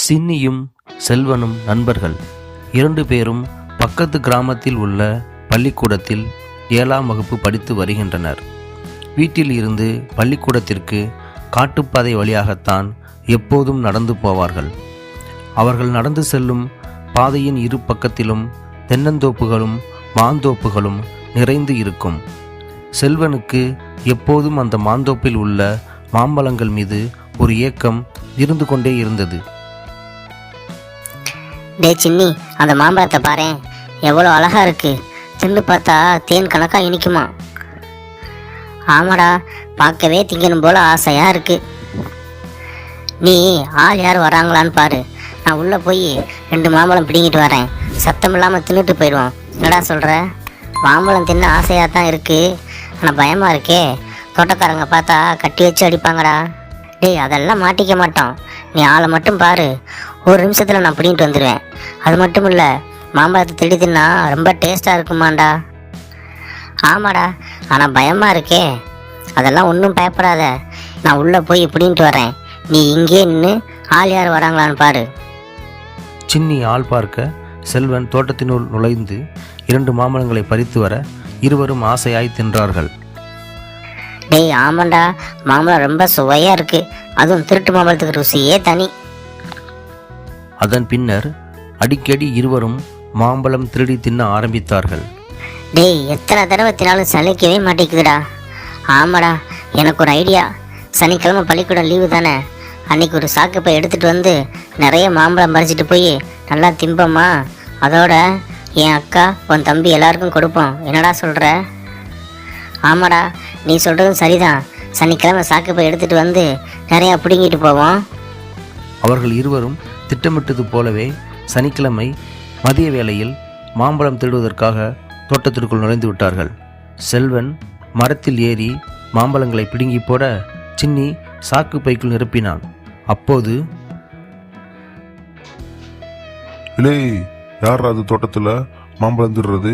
சின்னியும் செல்வனும் நண்பர்கள். 2 பேரும் பக்கத்து கிராமத்தில் உள்ள பள்ளிக்கூடத்தில் 7ஆம் வகுப்பு படித்து வருகின்றனர். வீட்டில் இருந்து பள்ளிக்கூடத்திற்கு காட்டுப்பாதை வழியாகத்தான் எப்போதும் நடந்து போவார்கள். அவர்கள் நடந்து செல்லும் பாதையின் இரு பக்கத்திலும் தென்னந்தோப்புகளும் மாந்தோப்புகளும் நிறைந்து இருக்கும். செல்வனுக்கு எப்போதும் அந்த மாந்தோப்பில் உள்ள மாம்பழங்கள் மீது ஒரு ஏக்கம் இருந்து கொண்டே இருந்தது. டே சின்னி, அந்த மாம்பழத்தை பாரேன், எவ்வளோ அழகா இருக்கு. தின்னு பார்த்தா தேன் கணக்கா இனிக்குமா? ஆமாடா, பார்க்கவே திங்கணும் போல ஆசையா இருக்கு. நீ ஆள் யார் வராங்களான்னு பாரு, நான் உள்ளே போய் 2 மாம்பழம் பிடிங்கிட்டு வரேன். சத்தம் இல்லாமல் தின்னுட்டு போயிடுவோம். என்னடா சொல்கிற? மாம்பழம் தின்ன ஆசையாக தான் இருக்கு, ஆனால் பயமாக இருக்கே. தோட்டக்காரங்க பார்த்தா கட்டி வச்சு அடிப்பாங்கடா. டேய், அதெல்லாம் மாட்டிக்க மாட்டோம். நீ ஆளை மட்டும் பாரு, ஒரு நிமிஷத்தில் நான் பிடிங்கிட்டு வந்துடுவேன். அது மட்டும் இல்லை, மாம்பழத்தை திருடி தின்னா ரொம்ப டேஸ்ட்டாக இருக்குமாண்டா. ஆமாடா, ஆனால் பயமாக இருக்கே. அதெல்லாம் ஒன்றும் பயப்படாத, நான் உள்ளே போய் பிடிங்கிட்டு வரேன். நீ இங்கே நின்று ஆள் யார் வராங்களான்னு பாரு. சின்னி ஆள் பார்க்க செல்வன் தோட்டத்தினுள் நுழைந்து 2 மாம்பழங்களை பறித்து வர இருவரும் ஆசையாய் தின்றார்கள். டேய், ஆமாண்டா, மாம்பழம் ரொம்ப சுவையாக இருக்குது. அதுவும் திருட்டு மாம்பழத்துக்கு ருசியே தனி. அதன் பின்னர் அடிக்கடி இருவரும் மாம்பழம் திருடி தின்ன ஆரம்பித்தார்கள். டேய், எத்தனை தடவை தினாலும் சலிக்கவே மாட்டேங்குதுடா. ஆமாடா, எனக்கு ஒரு ஐடியா. சனிக்கிழமை பள்ளிக்கூடம் லீவு தானே, அன்னைக்கு ஒரு சாக்குப்பை எடுத்துகிட்டு வந்து நிறைய மாம்பழம் பறிச்சிட்டு போய் நல்லா திம்பம்மா. அதோட என் அக்கா, உன் தம்பி எல்லாருக்கும் கொடுப்போம். என்னடா சொல்கிற? ஆமாடா, நீ சொல்கிறதும் சரிதான். சனிக்கிழமை சாக்குப்பை எடுத்துகிட்டு வந்து நிறையா பிடுங்கிட்டு போவோம். அவர்கள் இருவரும் திட்டமிட்டது போலவே சனிக்கிழமை மதிய வேளையில் மாம்பழம் திருடுவதற்காக தோட்டத்திற்குள் நுழைந்து விட்டார்கள். செல்வன் மரத்தில் ஏறி மாம்பழங்களை பிடுங்கி போட சின்னி சாக்கு பைக்குள் நிரப்பினான். அப்போது, இல்லை, யார் அது தோட்டத்தில் மாம்பழம் திருடுறது?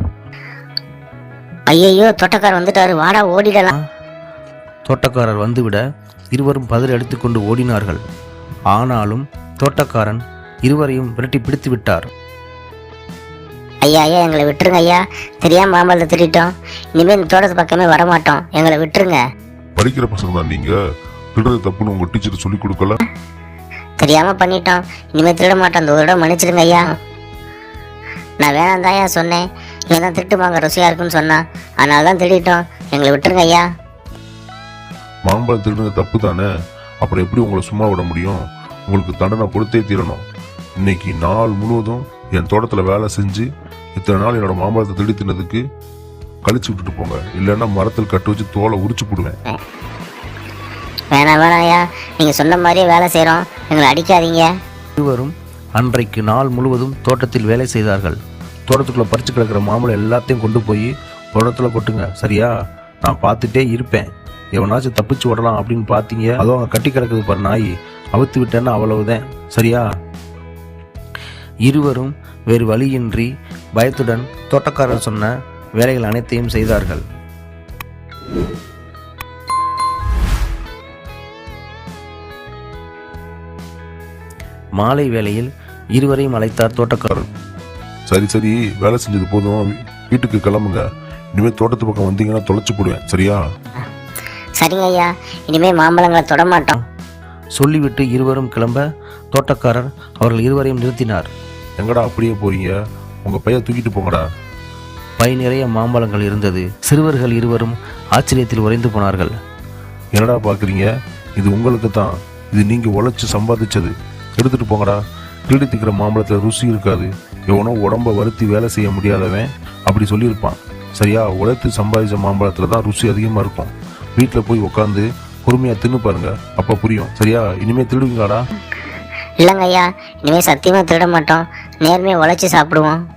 ஐயையோ, தோட்டக்காரர் வந்துட்டாரு, வாடா ஓடிடலாம். தோட்டக்காரர் வந்துவிட இருவரும் பதறி எடுத்துக்கொண்டு ஓடினார்கள். ஆனாலும் தோட்டக்காரன் இருவரையும் விரட்டி பிடித்து விட்டார். ஐயா, எங்களை விட்டுருங்க ஐயா, தெரியாம மாம்பழத்தை திருட்டோம். இனிமேல் இந்த தோட்டத்து பக்கமே வரமாட்டோம், எங்களை விட்டுருங்க. படிக்கிற பசங்க தான் நீங்க, திருடுறது தப்புன்னு உங்க டீச்சர் சொல்லி கொடுக்கல? தெரியாம பண்ணிட்டோம், இனிமேல் திருட மாட்டோம். அந்த ஒரு இடம் மன்னிச்சிடுங்க ஐயா. நான் வேணாம் தாயா சொன்னேன், இவன் தான் திருட்டு மாங்க ருசியா இருக்குன்னு சொன்னான், அதனால தான் திருடிட்டோம். எங்களை விட்டுருங்க ஐயா. மாம்பழம் திருடுறது தப்பு தானே, அப்புறம் எப்படி உங்களை சும்மா விட முடியும்? உங்களுக்கு தண்டனை கொடுத்தே தீரணும். இன்னைக்கு நாள் முழுவதும் என் தோட்டத்தில் வேலை செஞ்சு இத்தனை நாள் என்னோட மாம்பழத்தை திருடி தின்னதுக்கு கழிச்சு விட்டுட்டு போங்க, இல்லைன்னா மரத்தில் கட்டு வச்சு தோலை உரிச்சு போடுவேன். வேணாம் ஐயா, நீங்க சொன்ன மாதிரியே வேலை செய்யறோம், எங்களை அடிக்காதீங்க. இருவரும் அன்றைக்கு நாள் முழுவதும் தோட்டத்தில் வேலை செய்தார்கள். தோட்டத்துக்குள்ள பறிச்சு கிடக்கிற மாம்பழம் எல்லாத்தையும் கொண்டு போய் தோட்டத்தில் கொட்டுங்க, சரியா? நான் பார்த்துட்டே இருப்பேன். எவனாச்சும் தப்பிச்சு விடலாம் அப்படின்னு பார்த்தீங்க, அதுவும் அவங்க கட்டி கிடக்குது பாரு நாய், அவுத்து விட்டேன்னா அவ்வளவுதான், சரியா? இருவரும் வேறு வழியின்றி பயத்துடன் தோட்டக்காரர் சொன்ன வேலைகள் அனைத்தையும் செய்தார்கள். மாலை வேளையில் இருவரையும் அழைத்தார் தோட்டக்காரர். சரி சரி, வேலை செஞ்சது போதும், வீட்டுக்கு கிளம்புங்க. இனிமேல் தோட்டத்து பக்கம் வந்தீங்கன்னா தொலைச்சு போடுவேன், சரியா? சரிங்க ஐயா, இனிமே மாம்பழங்களை தொட மாட்டோம். சொல்லிவிட்டு இருவரும் கிளம்ப தோட்டக்காரர் அவர்கள் இருவரையும் நிறுத்தினார். எங்கடா அப்படியே போறீங்க? உங்க பைய தூக்கிட்டு போங்கடா. பை நிறைய மாம்பழங்கள் இருந்தது. சிறுவர்கள் இருவரும் ஆச்சரியத்தில் உறைந்து போனார்கள். என்னடா பாக்குறீங்க? இது உங்களுக்கு தான், இது நீங்க உழைச்சு சம்பாதிச்சது. எடுத்துட்டு போங்கடா. திருடி திக்கிற மாம்பழத்துல ருசி இருக்காது. எவனோ உடம்ப வருத்தி வேலை செய்ய முடியாதவன் அப்படி சொல்லியிருப்பான், சரியா? உழைத்து சம்பாதிச்ச மாம்பழத்துல தான் ருசி அதிகமா இருக்கும். வீட்டில் போய் உட்காந்து பொறுமையா தின்னு பாருங்க, அப்ப புரியும், சரியா? இனிமே திருடுவீங்களாடா? இல்லைங்க ஐயா, இனிமே சத்தியமா திருட மாட்டோம், நேர்மையா உழைச்சி சாப்பிடுவோம்.